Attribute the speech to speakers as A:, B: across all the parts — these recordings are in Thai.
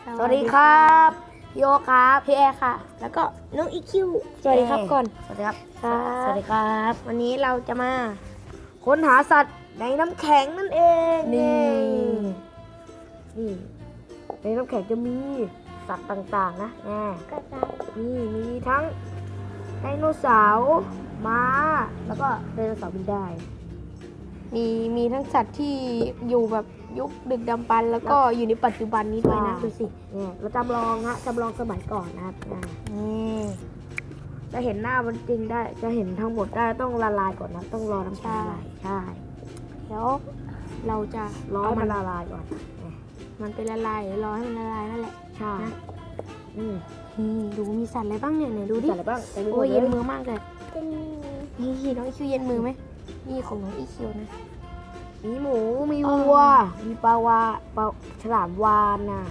A: สวัสดีครับพี่โอครับ
B: พี่แอร์ค่ะแล้วก็น้องอีคิวสวัสดีครับก่อน
A: สวัสดีครับ
B: สวัสดีครับ
A: วันนี้เราจะมาค้นหาสัตว์ในน้ำแข็งนั่นเอง
B: นี่
A: ในน้ำแข็งจะมีสัตว์ต่างๆนะนี่มีทั้งไดโนเสาร์ม้าแล้วก็ไดโนเสาร์บินได้
B: มีทั้งสัตว์ที่อยู่แบบยุคดึกดำบรรพ์แล้วก็อยู่ในปัจจุบันนี้ด้วยนะดูสิ
A: เนี่ยเราจำลองสมัยก่อนนะครับจะเห็นหน้ามันจริงได้ จะเห็นทั้งหมดได้ต้องละลายก่อนนะต้องรอน้ำแข็งละลายใช่
B: แล้วเราจะ
A: รอให้มันละลายก่อน
B: มันเป็นละลายหรือรอให้มันละลายนั่นแหละ
A: ใช่
B: ดูมีสัตว์อะไรบ้างเนี่ยดูดิ
A: สัตว์อะไรบ้าง
B: โอ้ยเย็นมือมากเลยนี่น้องอีคิวเย็นมือไหมนี่ของน้องอีคิวนะ
A: มีหมูมีวัวมีปลฉลามวาฬนะ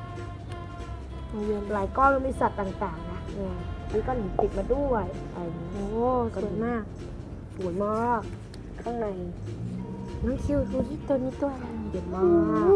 A: หลายก้อนมีสัตว์ต่างๆนะเนี่ยมีก้อนหินติดมาด้วยอะไรอย่างนี้
B: โอ้สวยมาก
A: สวยมากข้างใน
B: น้องคิวดูที่ตัวนี้ตัวอะไร
A: เยอะมาก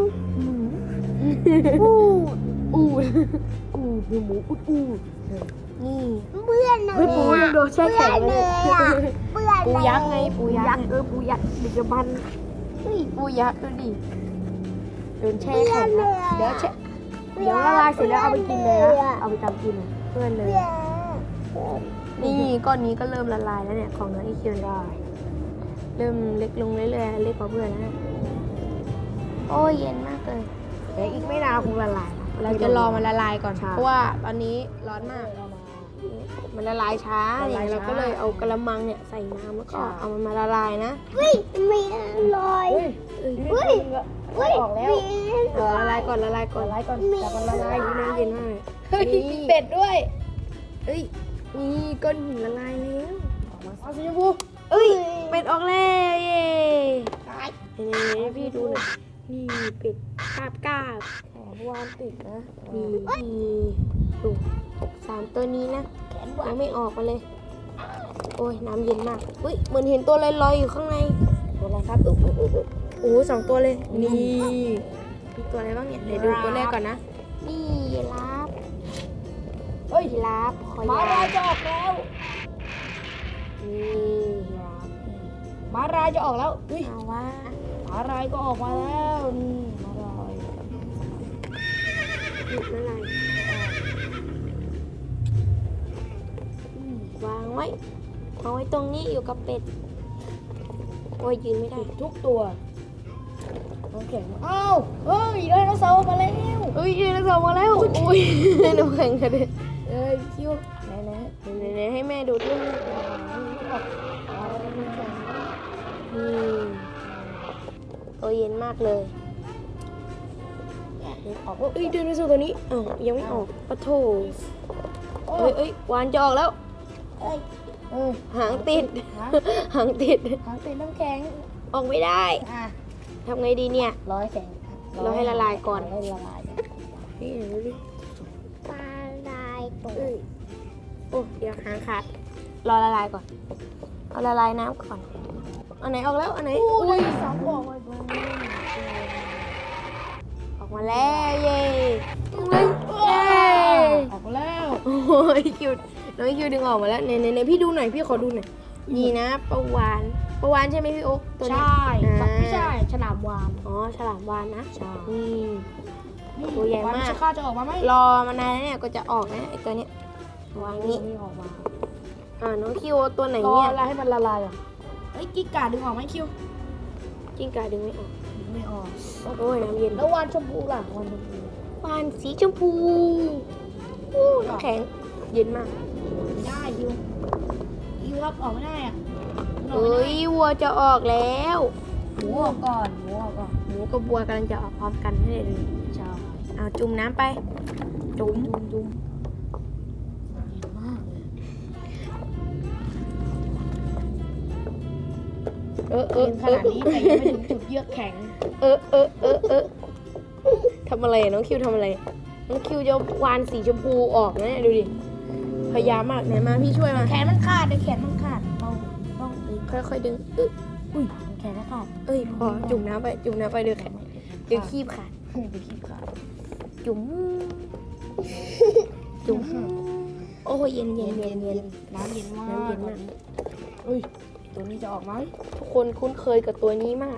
B: อูด
A: มีหมูอุด
B: นี่
C: เบื่อหน่อย
A: เฮ้ยปูยังโดนแช่แข็งเลย
C: เบื่อ
B: ปูยักษ์ไงปูยักษ์
A: ปูยักษ์ดึกดำบรรพ์
B: ปูยักษ์ดูดิโดนแช่แข็งนะเดี๋ยวละลายเสร็จแล้วเอาไปกินเลยนะเอาไปทำกินเพื่อนเลย นี่ก้อนนี้ก็เริ่มละลายแล้วเนี่ยของน้องอีคิวได้เริ่มเล็กลงเรื่อยๆเล็กกว่าเพื่อนแล้วนะโอ้ยเย็นมากเลย
A: แต่อีกไม่นานคงละลาย
B: เราจะรอมันละลายก่อน
A: ใช่
B: เพราะว่าตอนนี้ร้อนมากมันละลายช้า
A: ละ
B: เนี่ย
A: ลายช้า
B: เราก็เลยเอากระมังเนี่ยใส่น้ำแล้วก็
A: ใช่
B: เอามันมาละลายนะ
C: มีรอย
A: ออกแล้ว
B: ละลายก่อนละลายก่อน
A: แต่มันละลายอยู่น้ำเย็นมากเลย
B: มีเป็ดด้วยเอ้ยนี่ก้อนหินละลายแล้ว
A: เอาสีชมพู
B: เอ้ยเป็ดออกแล้วเย้นี่พี่ดูหน่อยนี่เป็ดกาบกาบ
A: วานติดนะ
B: นี่ดู3 ตัวนี้นะยังไม่ออกมาเลย โอ้ยน้ำเย็นมากอุ้ยเหมือนเห็นตัวลอยๆอยู่ข้างใน
A: ตัวอะไรครับ
B: โอ้2 ตัวเลย นี่มีตัวอะไรบ้างเนี่ยเดี๋ยวดูตัวแรกก่อนนะ นี่ยีราฟ
A: เฮ้ย
B: ยีราฟคอย
A: ม้าลาย
B: าว
A: จะออกแล้ว
B: นี่ยีราฟ
A: ม้าลายจะออกแล้วอุ้ย
B: เอาว่า
A: ม้าลายก็ออกมาแล้วนี่ม้าลาย
B: หยุดละลายวางไว้ตรงนี้อยู่กับเป็ดโอ้ยยืนไม่ได้
A: ทุกตัวน้ำแข็งอ้าวเฮ้ยไดโนเสาร์มาแล้ว
B: เอ้ยยืนแล้วมาแล้วอุ้ยน้ำแข็งกระเด็น
A: เอ้ยคิวไหน
B: ไหนให้แม่ดูด้วยนี่ตัวเย็นมากเลย
A: ออก
B: เอ้ยเดินไปสู่ตัวนี้อ้าวยังไม่ออกปะโถเอ้ยวานจะออกแล้ว
A: เอ้ย
B: หางติด หางติด
A: หางติดน้ำแข็ง
B: ออกไม่ได้
A: อ่ะ
B: ทำไงดีเนี่ย
A: ร้อยแข็ง
B: เราให้ละลายก่อน
A: ให้ละลาย
B: นี่ดูดิ
C: ปลาลายตัว
B: โอ้เดี๋ยวหางขาดรอละลายก่อนเอาละลายน้ำก่อนอันไหนออกแล้วอันไหน
A: อุ้ยสองบอกไว้
B: ออกมาแล้วเย้เย้
A: ออกแล้ว
B: โอ้ยคิวน้องคิวดึงออกมาแล้วไหนพี่ดูหน่อยพี่ขอดูหน่อยนี่นะปลาวานใช่ไหมพี่โอ๊คตัวนี้
A: ใช่ไม่ใช่ฉลามวาฬ
B: อ๋อฉลามวาฬนะ
A: ใช่
B: นี่ ตัวใหญ่มาก
A: ข้าจะออกมาไหม
B: รอมานานแล้วเนี่ยก็จะออกนะไอตัวเนี้ยวางนี้
A: ไม่ออกมา
B: น้องคิวตัวไหน
A: รอ
B: เนี่ย
A: อะไรให้มันละลายอ่ะเฮ้ยกิ๊กกาดึงออกไหมคิว
B: กิ้งก่าดึงไม่ออก
A: ไม่ออก
B: โอ้ยน้ำเย็น
A: แล้ววานชมพูล่ะวานชมพู
B: วานสีชมพูอู้น้ำแข็งเย็นมาก
A: ไม่ได้คิวครับออกไม่ได้อ่ะ
B: เฮ้ยวัวจะออกแล้ว
A: หมูออกก่อนหมูออกก่อน
B: หมูกับวัวกำลังจะออกพร้อมกันให้เลย
A: ใช่
B: เอาจุ่มน้ำไป จุ่ม
A: ดุมเห็นมากเลย ขนาดนี้แต่ยังไม่ถึงจุดเยือกแข็ง
B: ทำอะไรอะน้องคิวทำอะไรน้องคิวจะวานสีชมพูออกนะเนี่ยดูดิพยายามมากไหนมาพี่ช่วยมา
A: แขนมันขาดเดี๋ยวแขนมันขาดต้อง
B: ค่อยๆดึง
A: อุ้ยแขนมันขาด
B: พอจุ่มน้ำไปเดี๋ยวแข็งเดี๋ยวคีบขาด
A: ไปขี้ขาดจุ๋มจุ๋มโอ้ยเย็นเย็นเย็นเย็น
B: น้ำเย็นมาก
A: น้ำเย็นมาก
B: เฮ้ยตัวนี้จะออกไหม
A: ทุกคนคุ้นเคยกับตัวนี้มาก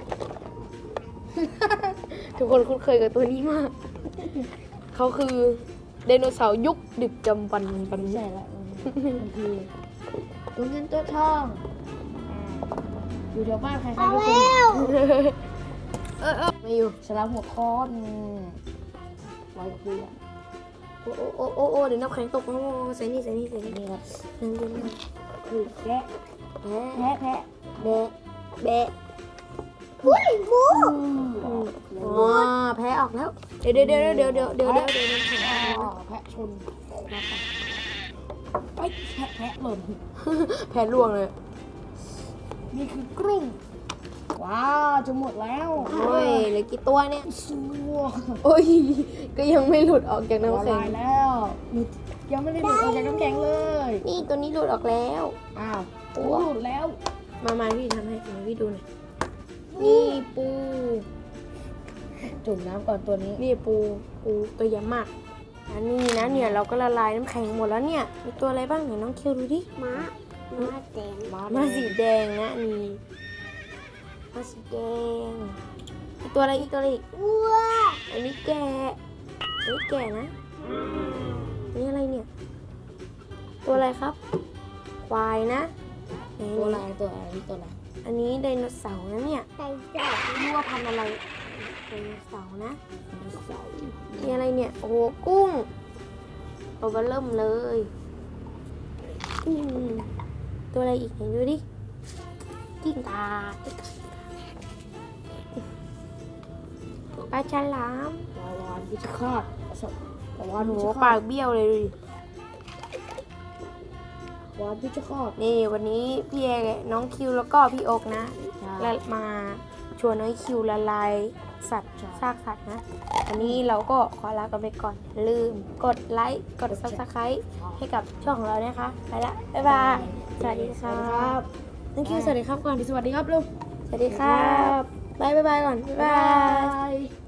A: ทุกคนคุ้นเคยกับตัวนี้มาก เขาคือไดโนเสาร์ยุคดึกจำปันปัน
B: ใช่แล้วมันคือตัวเงินตัวทองอยู่แถวบ้านใครๆ
C: เอา
B: ก็เคย
C: แล้ว
A: ไม่อยู่
B: ฉลามหัวค้อนร้อยเกลือ
A: โอ้เดี๋ยวน้ำแข็งตกโอ้ใส่นี่ใส่นี่ใส่นี่
B: นี่ครับ
A: น้ำเย็นมาก
B: คือแกะ
A: แพ้
B: แพะแพะ
A: แบะแบะ
C: อุ้ยหมู
A: อ๋อแพ้ออกแล้ว เดี๋ยวน้ำแข็งออกแล้ว
B: แพะชนไอ้ยแพะหล่น
A: แพ้ล่วงเลย
B: นี่คือกรุ้งว้าวจะหมดแล้ว
A: โอ้ยเหลือกี่ตัวเนี่ย
B: สัว
A: โอ้ย ก็ยังไม่หลุดออกจากน้ำ
B: ละ
A: แข็ง
B: ลายแล้วยังไม่ได้หลุดออกจากน้ำแข็งเลย
A: นี่ตัวนี้หลุดออกแล้ว
B: อ้าวโอ้หลุดแล้ว
A: มาพี่ทำให้มาพี่ดูหน่อย นี่ปู
B: จุ่มน้ำก่อนตัวนี้
A: นี่ปูตัวใหญ่มากอันนี้นะเนี่ยเราก็ละลายน้ำแข็งหมดแล้วเนี่ย มีตัวอะไรบ้างเนี่ยน้องคิวดูดิ
C: ม้าแดง
A: มาสีแดงนะอันนี่มาสีแดงอีกตัวอะไรอีก
C: วัว
A: อันนี้แกะนะนี่อะไรเนี่ย ตัวอะไรครับ ควายนะไหน
B: ตัวอะไรตัวอะไรตัวอะไร
A: อันนี้ไดโนเสาร์นะเนี่ย
C: ไก่จ๋า
A: ไม่รู้ว่าพันธุ์อะไรไดโนเสาร์นะนี่อะไรเนี่ย โอ้โหกุ้งตัวเบอเริ่มเลยอืมตัวอะไรอีกไหนดูดิกิ้งก่าปลาฉลาม
B: ปลาวานพิชคาตปลาวาน
A: โอ้
B: พิ
A: โห
B: ช
A: ปา
B: คาต
A: กเบี้ยวเลยดูดิ
B: วานพิชคาต
A: นี่วันนี้พี่เอน้องคิวแล้วก็พี่โอกนะและมาชวนน้องคิวละลายสัตว์ซากสัตว์นะ วันนี้เราก็ขอลากันไปก่อนอย่าลืมกดไลค์กด Subscribe ให้กับช่องของเรานะคะ ไปละ บ๊ายบาย สวัสดีครับน้องคิวสวัสดีครับก่อน
B: สวัสดีครับลุง
A: สวัสดีครับบายบายก่อน บ๊ายบาย
B: ย